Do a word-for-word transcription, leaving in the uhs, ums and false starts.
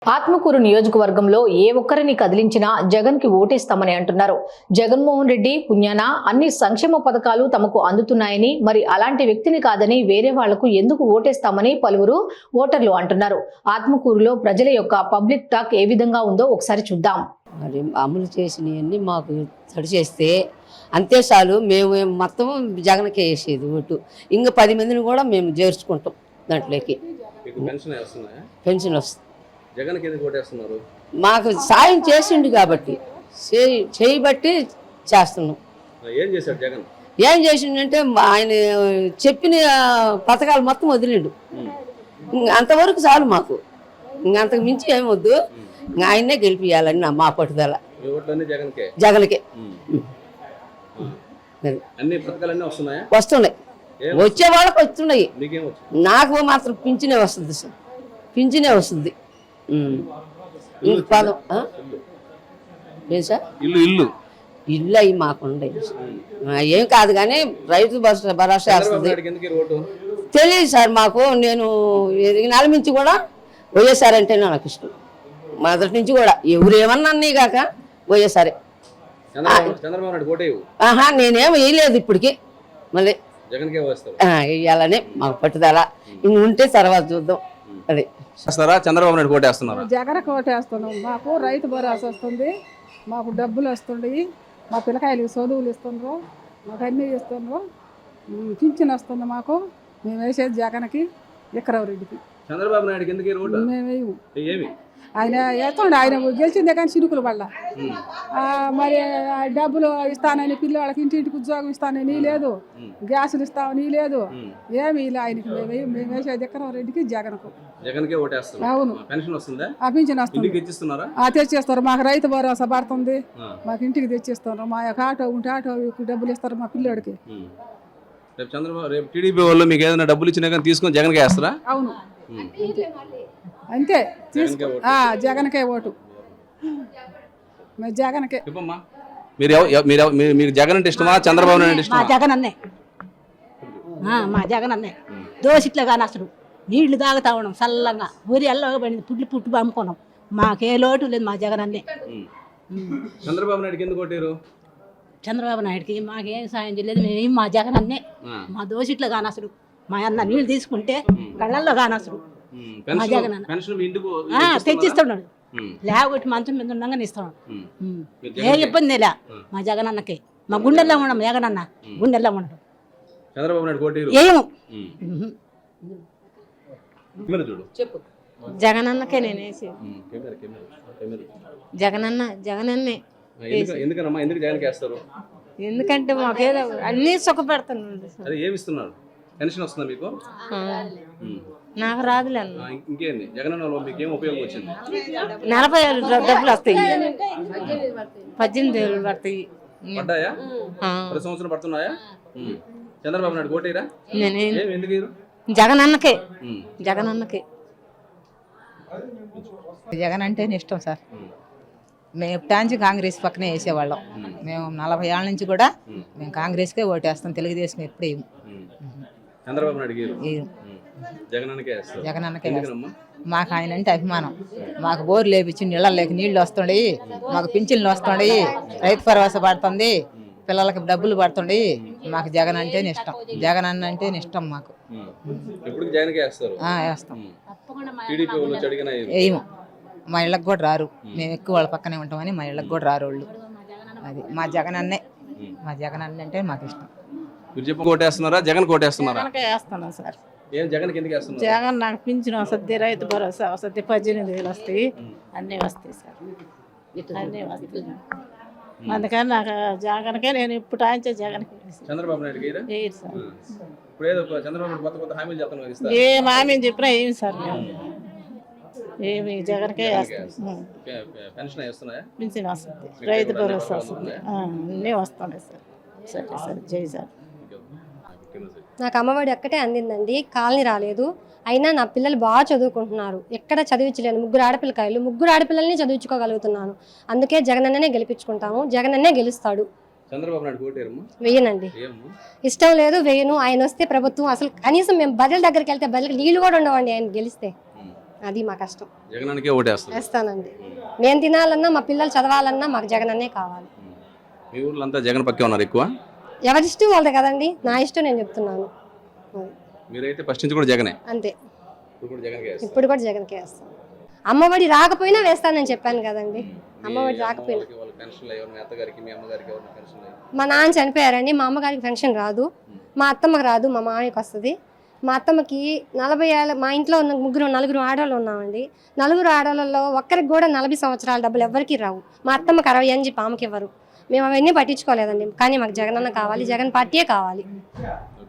ఆత్మకూరు నియోజకవర్గంలో ఏ ఒక్కరిని కదిలించినా జగన్ కి ఓటేస్తామని అంటున్నారు. జగన్మోహన్ రెడ్డి పుణ్యాన అన్ని సంక్షేమ పథకాలు తమకు అందుతున్నాయని, మరి అలాంటి వ్యక్తిని కాదని వేరే వాళ్లకు ఎందుకు ఓటేస్తామని పలువురు ఓటర్లు అంటున్నారు. ఆత్మకూరులో ప్రజల యొక్క పబ్లిక్ టాక్ ఏ విధంగా ఉందో ఒకసారి చూద్దాం. మరి అమలు చేసినవన్నీ మాకు తడి చేస్తే అంతే చాలు, మేము మొత్తం జగన్కే వేసేది ఓటు. ఇంకా పది మందిని కూడా మేము చేర్చుకుంటాం దాంట్లోకి. పెన్షన్ వస్తుంది. జగన్కి ఎందుకు ఓటేస్తున్నారు? మాకు సాయం చేసిండు కాబట్టి చేయబట్టి చేస్తున్నాం. ఏం చేశాడు జగన్? ఏం చేసిండంటే ఆయన చెప్పిన పథకాలు మొత్తం వదిలిండు. అంతవరకు చాలు మాకు, ఇంకంతకు మించి ఏమొద్దు. ఆయన్నే గెలిపియాలని నా మా పట్టుదల. జగన్కే వస్తున్నాయి, వచ్చే వాళ్ళకి వస్తున్నాయి. నాకు మాత్రం పింఛనే వస్తుంది సార్, పింఛనే వస్తుంది. ఏం సార్ ఇల్లు ఇల్లు ఇల్లు అవి మాకుండే ఏం కాదు, కానీ రైతు భరోసా వస్తుంది. తెలియదు సార్ మాకు. నేను నలమించి కూడా వైఎస్ఆర్ అంటేనే నాకు ఇష్టం. మొదటి నుంచి కూడా ఎవరు ఏమన్నా అన్నీ కాక వైఎస్ఆరే. ఆహా, నేనేం వేయలేదు ఇప్పటికి. మళ్ళీ వేయాలని మాకు పట్టుదల. ఇంక ఉంటే తర్వాత చూద్దాం. అదే చంద్రబాబు నాయుడు కోటేస్తున్నారు. జగన్ కోటేస్తున్నాం. మాకు రైతు భరోసా వస్తుంది, మాకు డబ్బులు వస్తున్నాయి, మా పిల్లకాయలకి చదువులు ఇస్తున్నారు, మాకు అన్నీ ఇస్తున్నారు, పింఛన్ వస్తుంది మాకు. మేము వేసేది జగన్కి, విక్రమరెడ్డికి. చంద్రబాబు నాయుడుకి ఎందుకు మేము వేయము. ఆయన వేస్తుండే, ఆయన గెలిచిందే కానీ చిరుకుల వల్ల. మరి డబ్బులు ఇస్తానని పిల్లవాళ్ళకి ఇంటింటికి ఉద్యోగం ఇస్తానని లేదు, గ్యాసులు ఇస్తామని లేదు, ఏమి ఇలా ఆయనకి మేము మేము వేసేది విక్రమరెడ్డికి, జగన్కు. అవును, పింఛన్ వస్తుంది, తెచ్చేస్తారు. మాకు రైతు భరోసా పడుతుంది, మాకు ఇంటికి తెచ్చిస్తారు. మా యొక్క ఆటో ఉంటే ఆటో డబ్బులు ఇస్తారు మా పిల్లోడికి. చంద్రబాబు రేపు టీడీపీ వాళ్ళు మీకు ఏదైనా డబ్బులు ఇచ్చినా కానీ తీసుకొని జగన్కి వేస్తారా? అవును, అంతే. జగన్కే ఓటు, జగన్కే. మీరు జగన్ అంటే ఇష్టమా, చంద్రబాబు నాయుడు ఇష్టమా? జగన్ అన్నే, మా జగన్ అన్నే. దోసిట్లో కానీ అసలు నీళ్లు తాగుతా ఉన్నాం చల్లంగా, ఊరి ఎల్లగా పడింది, పుట్లు పుట్టు అమ్ముకున్నాం. మాకే లోటు లేదు, మా జగన్ అన్నే. చంద్రబాబు నాయుడుకి ఎందుకు ఓటారు? చంద్రబాబు నాయుడుకి మాకేం సాయం చేయలేదు, మేము మా జగన్ అన్నే. మా దోసిట్లో కానీ అసలు మా అన్న నీళ్ళు తీసుకుంటే కళ్ళల్లో కానీ అసలు మా జగన్ అన్న తెచ్చిస్తున్నాడు. లేకపోతే మంచం మీద ఉండగానే ఇస్తున్నాడు. ఏ ఇబ్బంది లే మా జగన్ అన్నకి. మా గుండెల్లో ఉండడం జగన్ అన్న, గుండెల్లో ఉండడం. ఏమో జగన్ అన్నకే నేను వేసి జగన్ అన్న జగన్ అన్నే. ఎందుకంటే మాకేదో అన్ని సుఖపెడుతున్నాడు. నాకు రాదులే అన్న. నలభై ఏళ్ళు డబ్బులు వస్తాయి, పద్దెనిమిది ఏళ్ళు పడతాయి. జగన్ అన్నకే, జగన్ అన్నకే. జగన్ అంటేనే ఇష్టం సార్. మేము ఎప్పటి కాంగ్రెస్ పక్కనే వేసేవాళ్ళం. మేము నలభై ఏళ్ళ నుంచి కూడా మేము కాంగ్రెస్కే ఓటేస్తాం, తెలుగుదేశం ఎప్పుడు వేయము. జగన్ అన్నకే మాకు ఆయన అంటే అభిమానం. మాకు బోరు లేపించి నీళ్ళ లేక నీళ్లు వస్తుండయి, మాకు పింఛన్లు వస్తుండయి, రైతు భరోసా పడుతుంది, పిల్లలకి డబ్బులు పడుతుండే. మాకు జగన్ అంటేనే ఇష్టం, జగన్ అన్న అంటేనే ఇష్టం మాకు. వేస్తాం. వేయము, మా ఇళ్ళకి కూడా రారు. మేము ఎక్కువ వాళ్ళ పక్కనే ఉంటామని మా ఇళ్ళకి కూడా రారు వాళ్ళు. అది మా జగన్ అన్నే, మా జగన్ అన్న అంటే మాకు ఇష్టం. జగన్ కోటేస్తున్నారా? సార్. జగన్ నాకు పింఛన్ వస్తుంది, రైతు భరోసా వస్తుంది, పద్దెనిమిది వేలు వస్తాయి, అన్నీ వస్తాయి సార్, అన్నీ వస్తాయి. అందుకని నాకు జగన్కే నేను ఇప్పుడు ఆయించే జగన్కి. చంద్రబాబు నాయుడు ఏం హామీ చెప్పినా ఏమి సార్, మేము ఏమి జగన్కే పింఛన్ వస్తుంది, రైతు భరోసా వస్తుంది, అన్నీ వస్తున్నాయి సార్. సరే సార్, జై సార్. నాకు అమ్మఒడి ఒక్కటే అందిందండి, కాలనీ రాలేదు. అయినా నా పిల్లలు బాగా చదువుకుంటున్నారు, ఎక్కడ చదివించలేను. ముగ్గురు ఆడపిల్లకాయలు, ముగ్గురు ఆడపిల్లల్ని చదివించుకోగలుగుతున్నాను. అందుకే జగన్ అన్ననే గెలిపించుకుంటాము, జగన్ అన్నే గెలుస్తాడు. వెయ్యనండి, ఇష్టం లేదు, వెయ్యను. ఆయన వస్తే ప్రభుత్వం అసలు కనీసం మేము బదుల దగ్గరికి వెళ్తే బదులు నీళ్ళు కూడా ఉండవండి ఆయన గెలిస్తే. అది మా కష్టం. జగనానికే ఓటేస్తారు. వేస్తానండి. మేము తినాలన్నా మా పిల్లలు చదవాలన్నా మాకు జగనన్నే కావాలి. మీ ఊర్లో అంతా జగన్ పక్కే ఉన్నారు ఎక్కువ? ఎవరి ఇష్టం వాళ్ళదే కదండి, నా ఇష్టం నేను చెప్తున్నాను. మీరైతే ఫస్ట్ నుంచి కూడా జగనే? అంతే, ఇప్పుడు కూడా జగన్కే వేస్తారు. ఇప్పుడు కూడా జగన్కే వేస్తాను. అమ్మఒడి రాకపోయినా వేస్తానని చెప్పాను కదండి. అమ్మఒడి రాకపోయినా మా నాన్న చనిపోయారండి, మా అమ్మగారికి పెన్షన్ రాదు, మా అత్తమ్మకి రాదు, మా మామయ్యకి వస్తుంది. మా అత్తమ్మకి నలభై ఏళ్ళ మా ఇంట్లో ఉన్న ముగ్గురు నలుగురు ఆడవాళ్ళు ఉన్నామండి. నలుగురు ఆడవాళ్ళలో ఒక్కరికి కూడా నలభై సంవత్సరాల డబ్బులు ఎవరికి రావు. మా అత్తమ్మకి అరవై అని చెప్పి ఆమెకి ఇవ్వరు. మేము అవన్నీ పట్టించుకోలేదండి. కానీ మాకు జగనన్న కావాలి, జగన్ పార్టీయే కావాలి.